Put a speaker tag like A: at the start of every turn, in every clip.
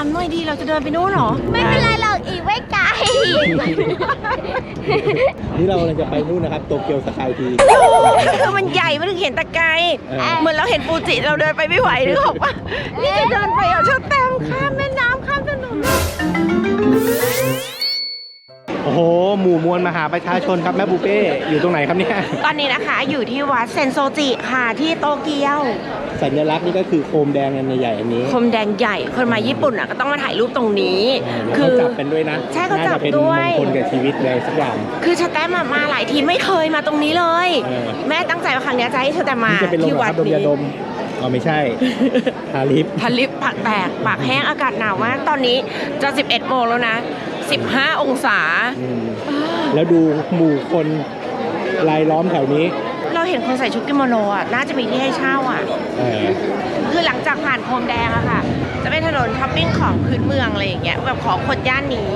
A: ามหน่อยดีเราจะเดินไปนู้นหรอ
B: ไม่เป็นไรหรอกอีกไม่ไกล
C: นี่เราจะไปนู่นนะครับโตเกียวสกายที
A: คือมันใหญ่มันถึงเห็นตะไกรเหมือนเราเห็นฟูจิเราเดินไปไม่ไหวหรือเปล่านี่จะเดินไปเอาเชือกแตมข้ามแม่น้ำข้ามถนน
C: โอ้โหหมู่มวลมหาประชาชนครับแม่ปูเป้อยู่ตรงไหนครับเนี่ย
A: ตอนนี้นะคะอยู่ที่วัดเซนโซจิค่ะที่โตเกียว
C: สัญลักษณ์นี่ก็คือโคมแดงอันใหญ่อันนี้
A: โคมแดงใหญ่คนมาญี่ปุ่นอ่ะก็ต้องมาถ่ายรูปตรงนี้
C: คือจับเป็นด้วยนะ
A: ใช่เขาจับด้วย
C: น่าจะเป็นมงคลกับชีวิตเลยสักอย่าง
A: คือชาแตมมาหลายทีไม่เคยมาตรงนี้เลยแม่ตั้งใจว่าครั้งนี้จะให้ชาแตมมาที่วัดนี้
C: อ๋อไม่ใช่ทาลิป
A: ปากแตกปากแห้งอากาศหนาวมากตอนนี้จะ11 โมงแล้วนะ15 องศา
C: แล้วดูหมู่คนรายล้อมแถวนี้
A: เราเห็นคนใส่ชุดกิโมโนอ่ะน่าจะมีที่ให้เช่าอ่ะคือหลังจากผ่านพรมแดงอะค่ะจะเป็นถนนช้อปปิ้งของพื้นเมืองอะไรอย่างเงี้ยแบบของคนย่านนี้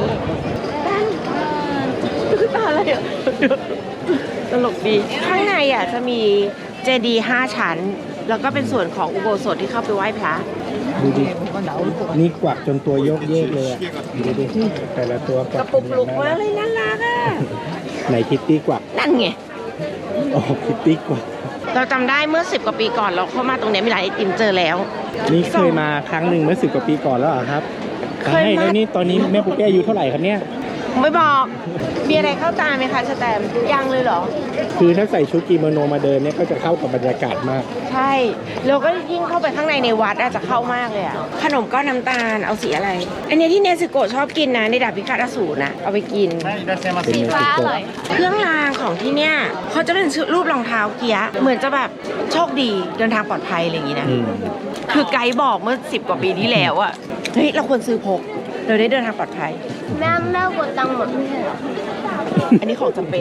A: ตาอะไรอ่ะตลกดีข้างในอ่ะจะมีเจดีย์5 ชั้นแล้วก็เป็นส่วนของอุโบสถที่เข้าไปไหว้พระ
C: ดูดินี่กวักจนตัวโยกเยกเลยอ่ะดูดิแต่ละตัว
A: กระปุกลุกมาเลยน่ารักอ่ะ
C: ไหนคิตตี้กวัก
A: นั่นไง
C: โอ้คิตตี้กวัก
A: เราจำได้เมื่อ10 กว่าปีก่อนเราเข้ามาตรงนี้มีร้านไอติมเจอแล้ว
C: นี่เคยมาครั้งหนึ่งเมื่อ10 กว่าปีก่อนแล้วเหรอครับเคยมาแล้วนี่ตอนนี้แม่ปุ๊กแกอายุเท่าไหร่ครับเนี่ย
A: ไม่บอกมีอะไรเข้าตาไหมคะสแตมยังเลยเหรอ
C: คือถ้าใส่ชุดกิโมโนมาเดินเนี่ยก็จะเข้ากับบรรยากาศมาก
A: ใช่แล้วก็ยิ่งเข้าไปข้างในวัดอาจจะเข้ามากเลยอ่ะขนมก้อนน้ำตาลเอาสีอะไรอันนี้ที่เนซึโกะชอบกินนะในดาบพิฆาตอสูรนะเอาไปกิน
B: สีฟ้าอร่อย
A: เครื่องรางของที่เนี่ยเขาจะเป็นรูปรองเท้าเกียร์เหมือนจะแบบโชคดีเดินทางปลอดภัยอะไรอย่างงี้นะคือไกด์บอกเมื่อ10 กว่าปีที่แล้วอ่ะเฮ้ยเราควรซื้อพกเราได้เดินทางปลอดภัย
B: แม่กดตังค์หมดไม่ใช่หรอ
A: อันนี้ของจำเป็น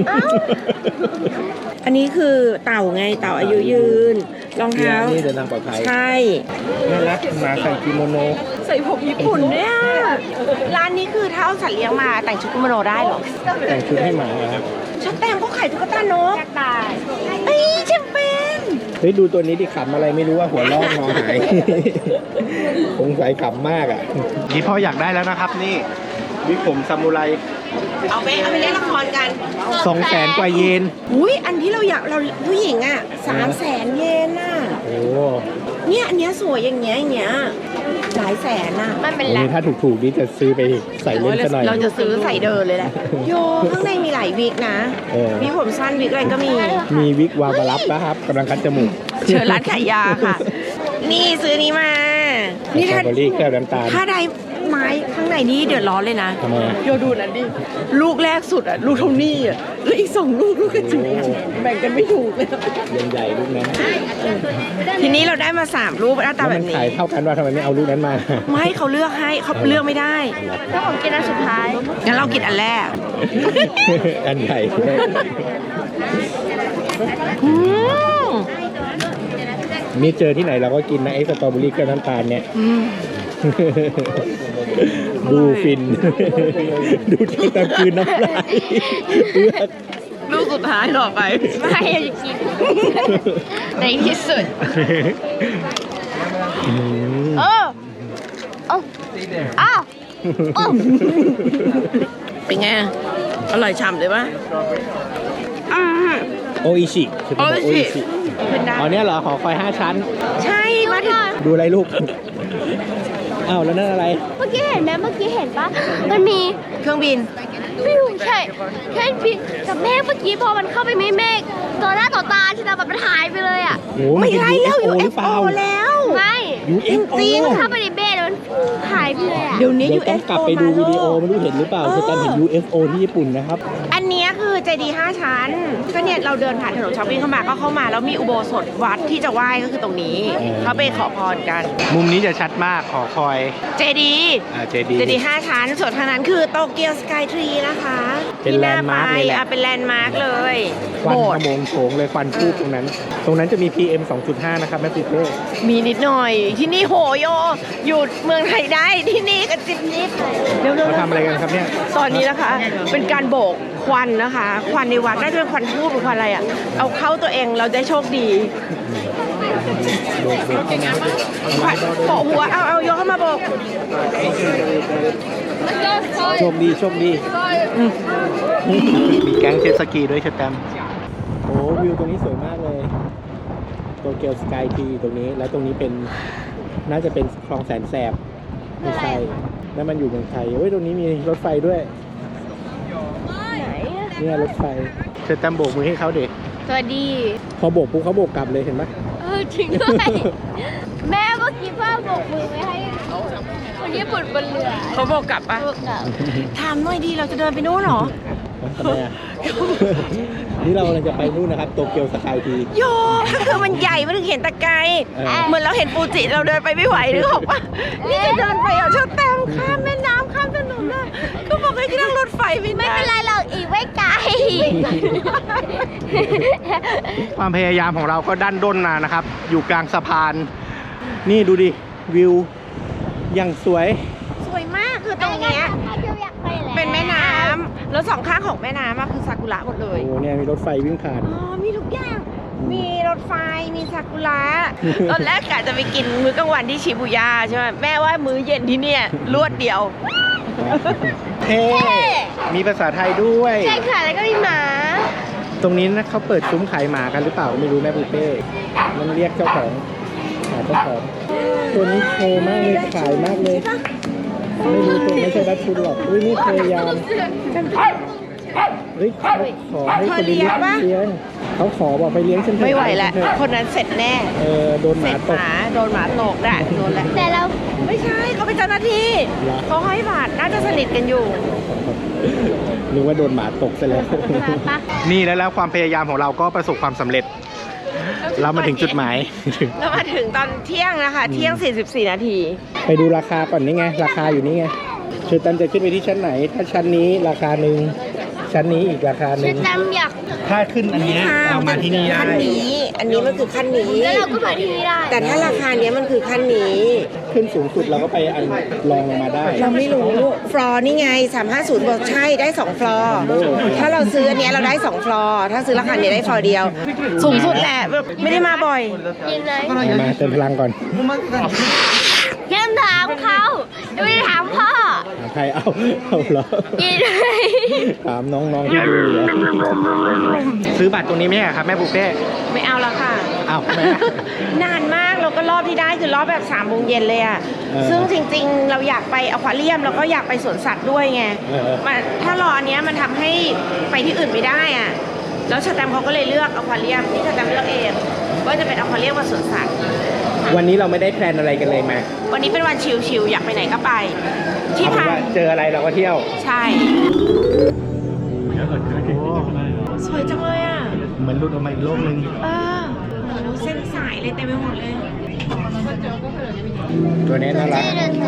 A: อันนี้คือเต่าไงเต่าอายุยืนรองเท้า
C: นี่เดินทางปลอดภัย
A: ใช่
C: น่ารักมาใส่กิโมโน
A: ใส่ผมญี่ปุ่นเนี่ยร้านนี้คือถ้าเอาสัตว์เลี้ยงมาแต่งชุดกิโมโนได้เหรอ
C: แต่งชุดให้หมาครับ
A: ชุดแต่งเขาขายตุ๊กตานกเอ้ยจำเป็น
C: เฮ้ยดูตัวนี้ดิขำอะไรไม่รู้ว่าหัวลอกงอหายสงสัยขำมากอ่ะนี่พ่ออยากได้แล้วนะครับนี่วิกผมซามูไร
A: เอาไปเล่นละครกัน
C: 200,000 กว่าเยน
A: อุ้ยอันที่เราอยากเราผู้หญิงอ่ะ300,000 เยนน่ะ
C: โอ้
A: เนี่ยอันเนี้ยสวยอย่างเงี้ยหลายแสนน่ะ
B: มันเป็นแหละ
C: ถ้าถูกๆนี่จะซื้อไปใส่เล่นซะหน่อย
A: เราจะซื้อใส่เดินเลยแหละโยข้างในมีหลายวิกนะมีผมสั้นวิกอะไรก็มี
C: วิกวาวบารับนะครับกำลังคัดจมูก
A: เชิญร้านขายยาค่ะนี่ซื้อนี้มา
C: นี่ถ้าแก้วน้ำตาล
A: ถ้าได้ไม้ข้างในนี้เดือดร้อนเลยนะโยดูนั่นดิลูกแรกสุดอ่ะลูกเท่านี้อ่ะแล้วอีก2 ลูกกระจุกแบ่งกันไม่ถูกเลย
C: ใหญ่ลูกนั้น
A: ทีนี้เราได้มา3 ลูกหน้าตาแบบนี้
C: ขายเท่ากันว่าทำไมไม่เอาลูกนั้นมา
A: ไม่เขาเลือกให้เขาเลือกไม่ได้
B: ถ้าผมกินอันสุดท้าย
A: งั้นเรากินอันแรก
C: อันใหญ่มีเจอที่ไหนเราก็กินนะไอ้สตรอเบอรี่กับน้ำตาลเนี่ยดูฟินดูที่ตะคืนน้ำลาย
A: ลูกสุดท้ายต่อไป
B: ไม่จะกินในที่สุด
A: เป็นไงอร่อยฉ่ำเลยปะ
C: โออิชิคือโออิชิอ๋อเนี่ยเหรอหอคอย5 ชั้น
A: ใช่มาถึง
C: ดูอะไรลูกอ้าวแล้วนั่นอะไร
B: เมื่อกี้เห็นไหมเมื่อกี้เห็นปะมันมี
A: เครื่องบิน
B: ไม่รู้ใช่เครื่องบินกับเมฆเมื่อกี้พอมันเข้าไปไม่เมฆต่อหน้าต่อตาใช่ไหมมันหายไปเลยอ่ะ
A: ไม่ใช่แล้ว UFO แล้ว
B: ไม่
C: UFO
B: จริงเข้าไปในเมฆมันหายไปเลยอ่ะ
A: เดี๋ยวนี้
C: UFO ต้องกลับไปดูวิดีโอไม่รู้เห็นหรือเปล่าคือการเห็น UFO ที่ญี่ปุ่นนะครับ
A: อันนี้คือเจดีย์5 ชั้นก็เนี่ยเราเดินผ่านถนนช้อปปิ้งเข้ามาแล้วมีอุโบสถวัดที่จะไหว้ก็คือตรงนี้เขาไปขอพรกัน
C: มุมนี้จะชัดมากขอคอย
A: เจดีย์5 ชั้นส่วนทางนั้นคือโตเกียวสกายทรีนะคะ
C: เป็นแลนด์มาร์คเลยแหละ
A: เป็นแลนด์มาร์คเลย
C: ควันขโมงโฉงเลยควันพุ่งตรงนั้นจะมี PM 2.5 นะครับแม่ปุ๊กเป้
A: มีนิดหน่อยที่นี่โหโยอยู่เมืองไทยได้ที่นี่ก็จิบนิด
C: เราทำอะไรกันครับเนี่ย
A: ตอนนี้นะคะเป็นการโบกควันนะคะควันในวัดน่าจะเป็นควันทูบหรือควันอะไรอ่ะเอาเข้าตัวเองเราได้โชคดี
C: โบกเข้ามา
A: โปะหัวเอายกเข้ามาโบก
C: โชคดีโชคดีมีแก๊งเจ็ตสกีด้วยเชตแตมโอ้วิวตรงนี้สวยมากเลยโตเกียวสกายทีตรงนี้แล้วตรงนี้เป็นน่าจะเป็นคลองแสนแสบไม่ใช่นั่นมันอยู่เมืองไทยเฮ้ยตรงนี้มีรถไฟด้วย
B: ไหน
C: เนี่ยรถไฟเชตแตมโบกมือให้เขาเด็ก
B: สวัสดี
C: พอโบกปุ๊บเขาโบกกลับเลยเห็นไหม
B: จริงด้วย แม่เมื่อกี้พ่อโบกมือไว้ให้คนญี่ปุ่นบนเรือ
A: เขาโบกกลับปะ
B: โบกกลับ
A: ถามหน่อยดีเราจะเดินไปนู่นเหรอ
C: ทำไมอ่ะ นี่เรากำลังจะไปนู่นนะครับโตเกียวสกายที
A: โยก็คือมันใหญ่มันถึงเห็นตะไกรเหมือนเราเห็นฟูจิเราเดินไปไม่ไหวนึกออกปะนี่จะเดินไปชอบแตมข้ามแม่น้ำข้ามถนนเลยก็บอกให้นั่งรถไฟไม่
B: ไม่
A: ได้
B: เป็นไรหรอกอีกไม่ไกล
C: ความพยายามของเราก็ดันด้นมานะครับ อยู่กลางสะพาน นี่ดูดิวิวอย่างสวย
A: สวยมากคือตรงเนี้ยเป็นแม่น้ำแล้วสองข้างของแม่น้ำอะคือซากุระหมดเลย
C: โอ้เนี่ยมีรถไฟวิ่งผ่าน
A: อ๋อมีทุกอย่าง มีรถไฟมีซากุระตอนแรกกะจะไปกินมื้อกลางวันที่ชิบูย่าใช่ไหมแม่ว่ามื้อเย็นที่เนี่ยรวดเดียว
C: เท่มีภาษาไทยด้วย
B: ใช่ค่ะแล้วก็มีหมา
C: ตรงนี้นะเขาเปิดซุ้มขายหมากันหรือเปล่าไม่รู้แม่ปูเป้มันเรียกเจ้าของหาเจ้าของตัวนี้โชว์มากเลยขายมากเลย ไม่รู้ตัวไม่ใช่ดัชชุนหรอกอุ้ยนี่พยายามเฮ้ยเขาขอให้คนเลี้ยงเลี้ยงเขาขอบอกไปเลี้ยงฉันเถอะ
A: ไม่ไหวแล้วคนนั้นเสร็จแน่
C: โดนห
A: เสร็
C: มา
A: จ
C: ต
A: ห
C: ก
A: มาโดนหมาตกได้โดนแล้ว
B: แต่เรา
A: ไม่ใช่เขาเป็นเจ้าหน้าที่
C: เหรอ
A: เขาให้บาทน่าจะสนิทกันอยู่
C: นึกว่าโดนหมาตกซะแล้ว
B: ปะ
C: นี่แล้วความพยายามของเราก็ประสบความสำเร็จ เรามาถึงจุดหมาย
A: เรามาถึงตอนเที่ยงนะคะ เที่ยง 44 นาที
C: ไปดูราคาก่อนนี่ไง ราคาอยู่นี่ไงคือตันจะขึ้นไปที่ชั้นไหน ถ้าชั้นนี้ราคาหนึ่งชั้นนี้อีกราคาห
B: ฉั
C: นึ่
B: น
C: ง
B: จำอยาก
C: ถ้าขึ้นอันเนี้ยเรามาที่นี่ได้
A: ขั้นนี้ อันนี้มันคือขั้นนี้
B: แล้วเราก็มาที่นี่ได้
A: แต่ถ้าราคาเนี้ยมันคือขั้นนี้
C: ขึ้นสูงสุดเราก็ไปอันรองลงมาได้
A: เราไม่รู้ ฟลอร์นี่ไง 350บอกใช่ได้2ฟลอร์ถ้าเราซื้ออันเนี้ยเราได้2ฟลอร์ถ้าซื้อราคาเนี้ยได้ฟลอร์เดียว สูงสุดแหละแบบไม่ได้มาบ่อย
B: กินเลย
C: มาเติมพลังก่อน
B: ยังถามเขาไม่ได้ถามพ่อ
C: หาใครเอาเหรอ
B: กินเลย
C: ถามน้องๆที่ดูเหรอซื้อบัตรตรงนี้ไหมอะครับแม่บุฟเฟ่
A: ไม่เอาแล้วค่ะ
C: อ้าวแม่
A: นานมากเราก็รอบที่ได้คือรอบแบบ3 โมงเย็นเลยอะ
C: เออ
A: ซึ่งจริงๆ เราอยากไปอควาเรียมแล้วก็อยากไปสวนสัตว์ด้วยไง
C: เออ
A: มันถ้ารออันเนี้ยมันทำให้ไปที่อื่นไม่ได้อะแล้วชาแตมเขาก็เลยเลือกอควาเรียมที่ชาแตมเลือกเองว่าจะเป็นอควาเรียมกับสวนสัตว์
C: วันนี้เราไม่ได้แพลนอะไรกันเลยมา
A: วันนี้เป็นวันชิลๆอยากไปไหนก็ไป ที่
C: เอาเป็น
A: พัก
C: ว่าเจออะไรเราก็เที่ยว
A: ใช่ สวยจังเลยอ่ะ
C: เหมือนหลุดออกมาอีกโลกหนึง
A: ดูเส้นสายเลยเต็มไปหมดเลย
C: ตัวนี้น่ารัก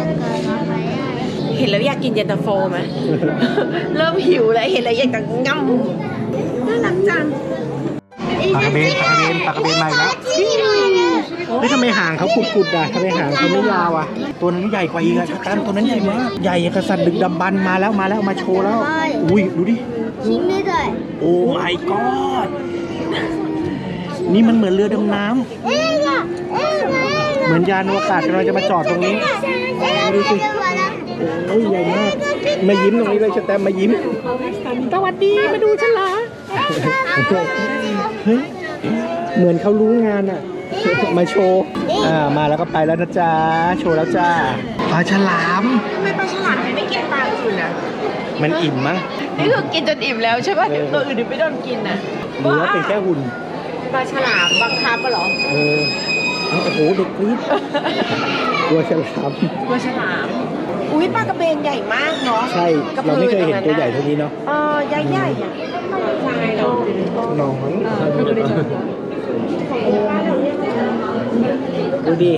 A: เห็นแล้วอยากกินเย็นตาโฟไหม เริ่มหิวแล้วเห็นแล้วอยากจะง่ำน่ารักจัง
C: ปลากระเบนมาอีกแล้วเฮ้ยทำไมหางเขากุดๆอ่ะทำไมหางเขาไม่ยาวอ่ะ ตัวนั้นใหญ่กว่าอีกอ่ะชักตันตัวนั้นใหญ่มาก ใหญ่อย่างกระสันดึกดำบรรพ์มาแล้วมาโชว์แล้ว อุ้ยดูดิ
B: ชิ้นไม่ได้
C: โอ้ my god นี่มันเหมือนเรือดำน้ำเหมือนยานอวกาศกำลังจะมาจอดตรงนี้ ดูสิ โอ้ยใหญ่มาก มายิ้มตรงนี้เลยชแตมมายิ้ม สวัสดี มาดูฉันเหรอ เฮ้ย เหมือนเขารู้งานอ่ะ มาโชว์ มาแล้วก็ไปแล้วนะจ๊ะ โชว์แล้วจ้าปลาฉลาม
A: ทำไมปลาฉลามถึงไม่กินปลาอื่นอ่ะ
C: มันอิ่มมั้ง
A: นี่คือกินจนอิ่มแล้วใช่ป่ะเดี๋ยวตัวอื่นไม่โดนกินอ่ะ
C: หรือว่าเป็นแค่หุ่น
A: ปลาฉลามบังคับปะเหรอ
C: โอ้โห เด็กกรี๊ดกลัวฉลาม
A: ปลาฉลาม อุ้ยปลากระเบนใหญ่มากเนาะ
C: ใช่ เราไม่เคยเห็นตัวใหญ่เท่านี้เนาะ
A: ใหญ่ๆอ่ะใช่เนาะ
C: น้องดูดิ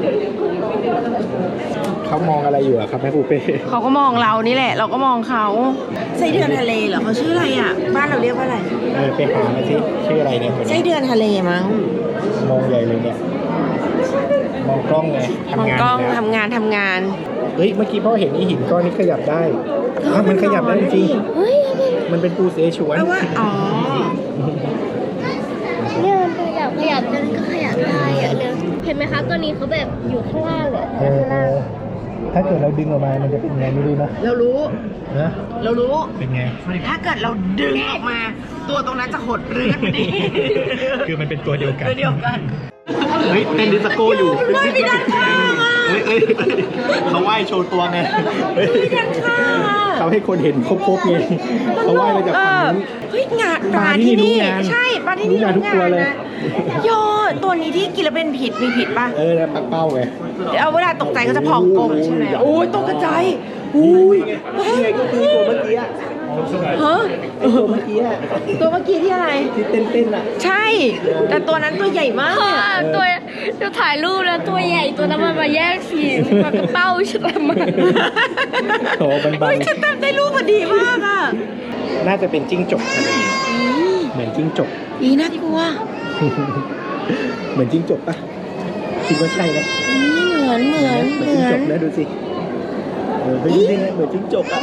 C: เขามองอะไรอยู่อะครับแม่ปูเป้
A: เขาก็มองเรานี่แหละ เราก็มองเขาไส้เดือนทะเลเหรอเขาชื่ออะไรอ่ะ บ้านเราเรียกว่าอะไร
C: ไปหามาสิชื่ออะไรเนี่ยคน
A: ไส้
C: นี้
A: เดือนทะเลมั้ง
C: มองใหญ่เลยเนี่ย มองกล้องไง
A: มอง
C: ทำงาน
A: กล้อง
C: แล้ว
A: ทำงาน
C: เฮ้ย เมื่อกี้พ่อเห็นนี่หินก้อนนี้ขยับได้อ้าวมันขยับได้จริง
B: เฮ้ย
C: มันเป็นปูเสฉวน
A: เพราะว่าอ๋อ
B: เนี่ยมันขยับจนก็ขยับได้อะเลยเห็นไหมคะตัวนี้เขาแบบอยู่ข้างล่างเลย
C: ถ้าเกิดเราดึงออกมามันจะเป็นไงไม่รู้นะ
A: เรารู้
C: นะ
A: เรารู้
C: เป็นไง
A: ถ้าเกิดเราดึงออกมา ตัวตรงนั้นจะหดเรื้อนพอดี
C: คือมันเป็นตัวเดียวกัน
A: ตัวเดียวกัน
C: เฮ้ยเต้นดิสโก้อยู่
A: ไม่มีด้านข้างอ่ะ
C: เฮ้ยเขาไหว้โชว์ตัวไงเฮ้ย
A: ด้านข้างอ่ะ
C: เขาให้คนเห็นครบๆไงเขาไหว้มาจากฝั่งนู้น
A: เฮ้ยงาน
C: ปลาที่นี่รู้งาน
A: ใช่ปลาที่นี่
C: รู้งานทุกตัวเลย
A: นะโยตัวนี้ที่กินแล้วเป็นผิดมีผิดป่ะ
C: แล้วปักเป้าไง
A: เดี๋ยวเอาเวลาตกใจก็จะพองกลมใช่ไหม
C: โอ้
A: โอ้
C: ย
A: ยตกใจายอุ้ย
C: นี่ไงก็คือตัวเมื่อกี้อะ
A: ฮะ
C: ตัวเมื่อกี้อะ
A: ตัวเมื่อกี้ที่อะไร
C: ที่เต้นๆอ่ะ
A: ใช่ แต่ตัวนั้นตัวใหญ่มาก
B: ตัวเราถ่ายรูปแล้วตัวใหญ่ตัวนั้นมันมาแยกสีมันกระเป้าฉันทำไม
C: โอ้บัน
A: เฮ้ยฉันจำได้รูปพอดีมากอ่ะ
C: น่าจะเป็นจิ้งจกทะเลเหมือนจิ้งจก
A: อีน่ากลัว
C: เหมือนจิ้งจกปะคิดว่าใช่ไหม
A: เหมือน
C: เหมือนจิ้งจกนะดูสิเฮ้ยนี่นะเหมือนจิ้งจกอ่ะ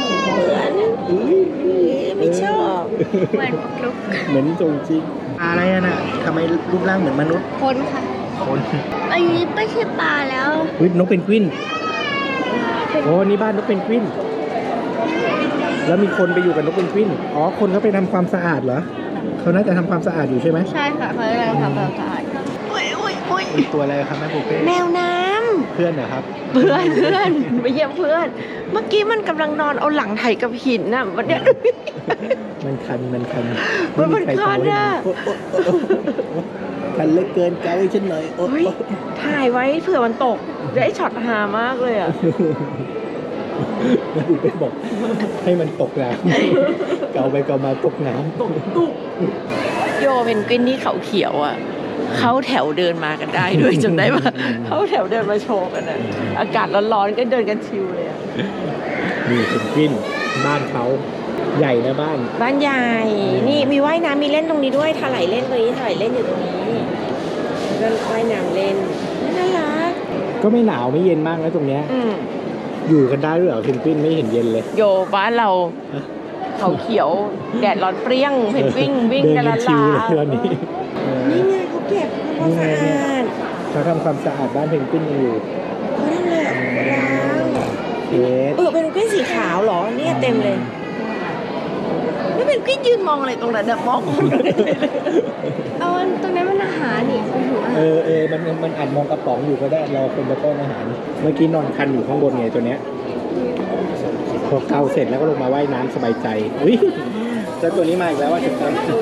A: ไม่ชอบ
B: เหมือนลุก
C: เหมือนจงจริงอะไรอะน่ะทำไมรูปร่างเหมือนมนุษย์
B: คนค่ะ
C: คน
B: อันนี้ไม่ใช่ปลาแล้ว
C: เฮ้ยนกเพนกวินโอ้นี่บ้านนกเพนกวินแล้วมีคนไปอยู่กับนกเพนกวินอ๋อคนเขาไปทำความสะอาดเหรอเขาน่าจะทำความสะอาดอยู่ใช่ไหม
B: ใช่ค่ะเขากำลังทำความสะอาด
C: เป็นตัวอะไรครับแม่ปูเป้
A: แมวน้
C: เพื่อนเหรอครับ
A: ำเพื่อนไปเยี่ยมเพื่อน เมื่อกี้มันกำลังนอนเอาหลังไถกับหินน่ะวันเนี้ย
C: มันคัน
A: มัน
C: ไใคร
A: คันอะ
C: โคันเหลือเกินเกาให้ฉันหน่อยโอ๊
A: เฮ้ยถ่ายไว้เผื่อมันตกได้ช็อตฮามากเลยอ่ะ
C: แม่ปูเป้บอกให้มันตกน้ำเกาไปเกามาตกน้ำ
A: โยเป็นกวินที่เขาเขียวอ่ะเขาแถวเดินมากันได้ด้วยจำได้ปะเขาแถวเดินมาโชว์กันอ่ะอากาศร้อนๆก็เดินกันชิวเลยอ่ะ
C: นี่เป็นกวินบ้านเขาใหญ่นะบ้าน
A: บ้านใหญ่ นี่มีว่ายน้ำมีเล่นตรงนี้ด้วยถลายเล่นตรงนี้ถลายเล่นอยู่ตรงนี้แล้วก็ว่ายน้ำเล่นน่ารัก
C: ก็ไม่หนาวไม่เย็นมากนะตรงเนี้ย
A: อืม
C: อยู่กันได้ด้วยเหรอเพนกวินไม่เห็นเย็นเลย
A: โยบ้านเราเขาเขียวแดดร้อนเปรี้ยงเพนกวินวิ่ง
C: เดิ
A: กัน
C: น
A: ละ
C: ชิ
A: ลาว
C: เลยตอนนี้
A: นี่ไงเขาเก็บความสะอาด
C: เขาทำความสะอาดบ้านเพนกวินกันอยู่
A: เขาทำเลยล้าง
C: เคส
A: เป็นกวินสีขาวเหรอเนี่ยเต็มเลยนี่เป็นกวินยืนมองอะไรตรงนั้นมอง
B: เอาตรงนั้นมันอาหารนี่คุณหัว
C: มันอาจมองกระป๋องอยู่ก็ได้รอคนมาป้อนอาหาร เมื่อกี้นอนคันอยู่ข้างบนไงตัวเนี้ยพอเกาเสร็จแล้วก็ลงมาว่ายน้ำสบายใจอุ้ยเจ้าตัวนี้มาอีกแล้วว่าจะทำ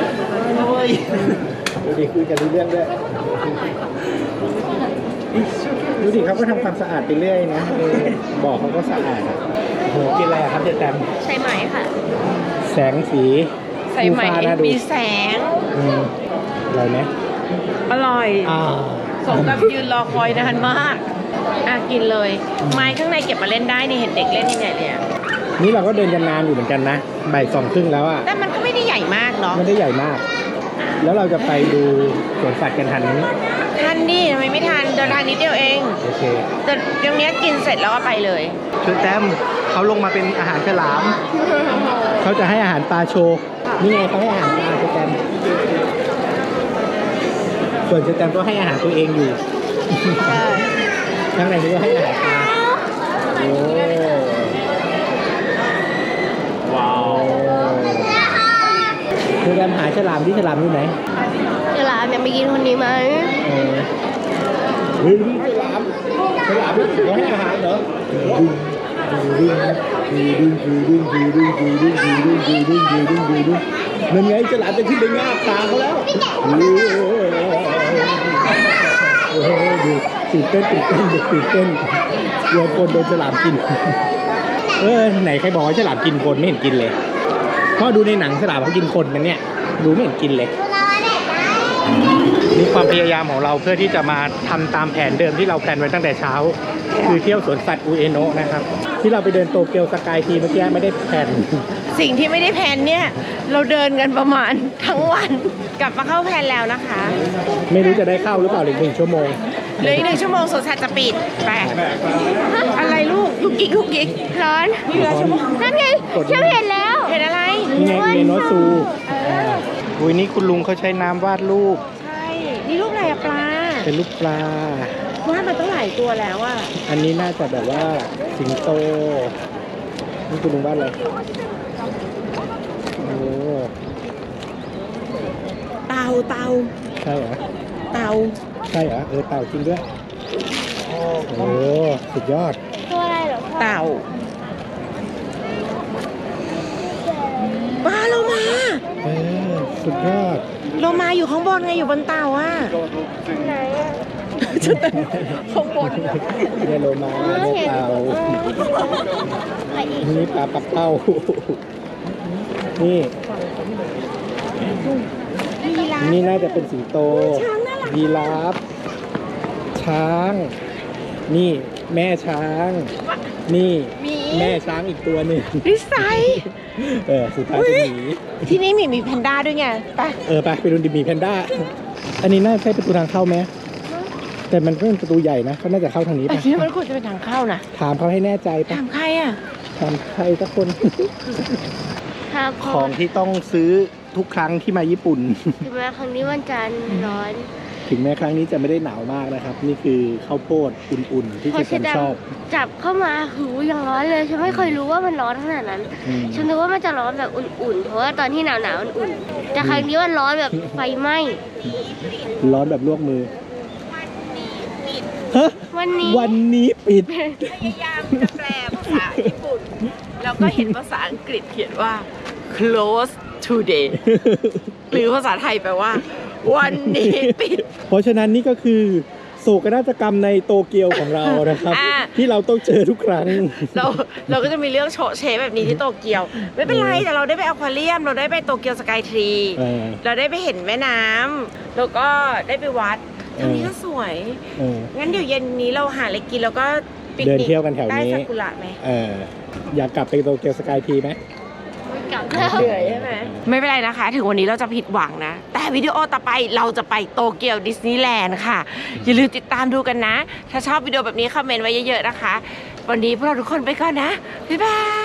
C: ดูดิคุยกันรู้เรื่องด้วยดูดิเขาก็ทำความสะอาดไปเรื่อยนะบ่อเขาก็สะอาดอะโหกินอะไรอะครับเจ๊แตม
B: ใช่ไหมค่ะ
C: แสงสี
A: ใส่ไหม
C: ฟูฟ้าน่าดู
A: มีแสง
C: อร่อยไหม
A: อร่อย
C: อ่า
A: สมกับยืนรอคอยนานมากกินเลย ไม้ข้างในเก็บมาเล่นได้นี่เห็นเด็กเล่นยังไงเลยอะ
C: นี่เราก็เดินกันนานอยู่เหมือนกันนะบ่าย2:30แล้วอ่ะ
A: แต่มันก็ไม่ได้ใหญ่มากเนาะ
C: ไม่ได้ใหญ่มาก แล้วเราจะไปดูสวนสัตว์กันทันนี้
A: ทันนี่ทำไมไม่ทันเดินทางนิดเดียวเอง
C: โอเค
A: แต่ตรงเนี้ยกินเสร็จแล้วก็ไปเลย
C: เชอแตมเขาลงมาเป็นอาหารฉลาม เขาจะให้อาหารปลาโชว์นี่ไงเขาให้อาหารปลาเชอแตมส่วนเชอแตมก็ให้อาหารตัวเองอยู่
A: ใช่
C: ข้างในนี้ก็ให้อาหารปลาโอ้ว้าวเชอแตมหาฉลามที่ฉลามอยู่ไหน
B: เวลาเนี่ยไปกินคนนี้ไหม
C: เฮ้ยฉลามเขาให้อาหารเหรอนั่นไงฉลามจะขึ้นไปงาบตาเขาแล้วดูตื่นเต้นเด็กตื่นเต้นกลัวคนโดนฉลามกินไหนใครบอกว่าฉลามกินคนไม่เห็นกินเลยพ่อดูในหนังฉลามเขากินคนมันเนี่ยดูไม่เห็นกินเลยนี่ความพยายามของเราเพื่อที่จะมาทำตามแผนเดิมที่เราแพลนไว้ตั้งแต่เช้า คือเที่ยวสวนสัตว์อุเอโนะนะครับที่เราไปเดินโตเกียวสกายทีเมื่อกี้ไม่ได้แพลน
A: สิ่งที่ไม่ได้แพลนเนี่ย เราเดินกันประมาณทั้งวัน กลับมาเข้าแพลนแล้วนะคะ
C: ไม่รู้จะได้เข้าหรือเปล่าอีก1 ชั่วโมง
A: เหลืออีก1 ชั่วโมงสวนสัตว์จะปิดไปอะไรลูกยุกยิก
B: ร้อน
A: นี่เหลือชั่วโมง
B: นั่นไงฉันเห็นแล้ว
A: เห็นอะไร
C: นี่ไงอุเอโนะซูอุ้ยนี่คุณลุงเขาใช้น้ำวาดรูป
A: ใช่ นี่รูปอะไรอะปลา
C: เป็นลูกปลา
A: ว่ามันต้องหลายตัวแล้วอ่ะ
C: อันนี้น่าจะแบบว่าสิงโต นี่คุณลุงบ้านอะไรโอ้
A: เต่า
C: ใช่เหรอ
A: เต่า
C: ใช่เหรอ เต่าจริงด้วย โอ้สุดยอด
B: ตัวอะไรเหรอพ่อ
A: เต่าปลาโลมา
C: สุดยอด
A: โลมาอยู่ข้างบนไงอยู่บนเต่าอ่ะ
B: ไหนอะ
A: ข้างบน
C: เนี่ยโลมาเนี่ยเต่า
B: ไปอีก
C: นี่ปลาปักเป้า นี่
A: ยีราฟ
C: นี่น่าจะเป็นสิงโต
A: ช้างน่ารัก
C: ยีราฟ ช้าง นี่แม่ช้าง นี่
A: หมี
C: แม่ช้างอีกตัวหนึ่ง
A: นิสัย
C: สุดท้ายเป็นหมี
A: ที่นี่มีแพนด้าด้วยไงไป
C: ไปดูดิมีแพนด้า อันนี้น่าใช่ประตูทางเข้าไหม แต่มันก็เป็นประตูใหญ่นะเขาน่าจะเข้าทางนี้
A: แต่
C: ปะ
A: ที่มันควรจะเป็นทางเข้านะ
C: ถามเขาให้แน่ใจปะ
A: ถามใครอ่ะ
C: ถามใครสักคน
B: ครับ
C: ของที่ต้องซื้อทุกครั้งที่มาญี่ปุ่น
B: ถึงแม้ครั้งนี้มันจะร้อน
C: ถึงแม้ครั้งนี้จะไม่ได้หนาวมากนะครับ นี่คือข้าวโพดอุ่นๆ ที่
B: พอ
C: ฉั
B: ชิ
C: น
B: ด
C: ชอบ
B: จับเข้ามาหูยังร้อนเลยฉันไม่เคยรู้ว่ามันร้อนขนาดนั้น
C: อืม
B: ฉันนึกว่ามันจะร้อนแบบอุ่นๆ เพราะว่าตอนที่หนาวๆมันอุ่น แต่ครั้งนี้มันร้อนแบบไฟไหม้
C: ร้อนแบบลวกมือฮะ
B: วันนี้
C: วันนี้ปิด
A: พยายามจะแปลภาษาญี่ปุ่น แล้วก็เห็นภาษาอังกฤษเขียนว่า close today หรือภาษาไทยแปลว่า วันนี้ปิด
C: เพราะฉะนั้นนี่ก็คือโศกนาฏกรรมในโตเกียวของเรานะครับ
A: อ่า
C: ที่เราต้องเจอทุกครั้ง
A: เราก็จะมีเรื่องโชว์เชฟแบบนี้ที่โตเกียว ไม่เป็นไร แต่เราได้ไปอควาเรียม เราได้ไปโตเกียวสกายทรี
C: เออ
A: เราได้ไปเห็นแม่น้ำแล้วก็ได้ไปวัดทางนี้ก็สวย
C: เออ
A: งั้นเดี๋ยวเย็นนี้เราหาอะไรกินแล้วก็ปิก
C: เดิน
A: นิก
C: เที่ยวกันแถวนี้
A: ได้ซากุระไหม
C: อยากกลับไปโตเกียวสกายทีไหม
B: กลับแล้ว
A: เหนื่อยใช่ไหมไม่เป็นไรนะคะ ถึงวันนี้เราจะผิดหวังนะ แต่วิดีโอต่อไปเราจะไปโตเกียวดิสนีย์แลนด์ค่ะ อย่าลืมติดตามดูกันนะ ถ้าชอบวิดีโอแบบนี้คอมเมนต์ไว้เยอะๆนะคะ วันนี้พวกเราทุกคนไปก่อนนะ บ๊ายบาย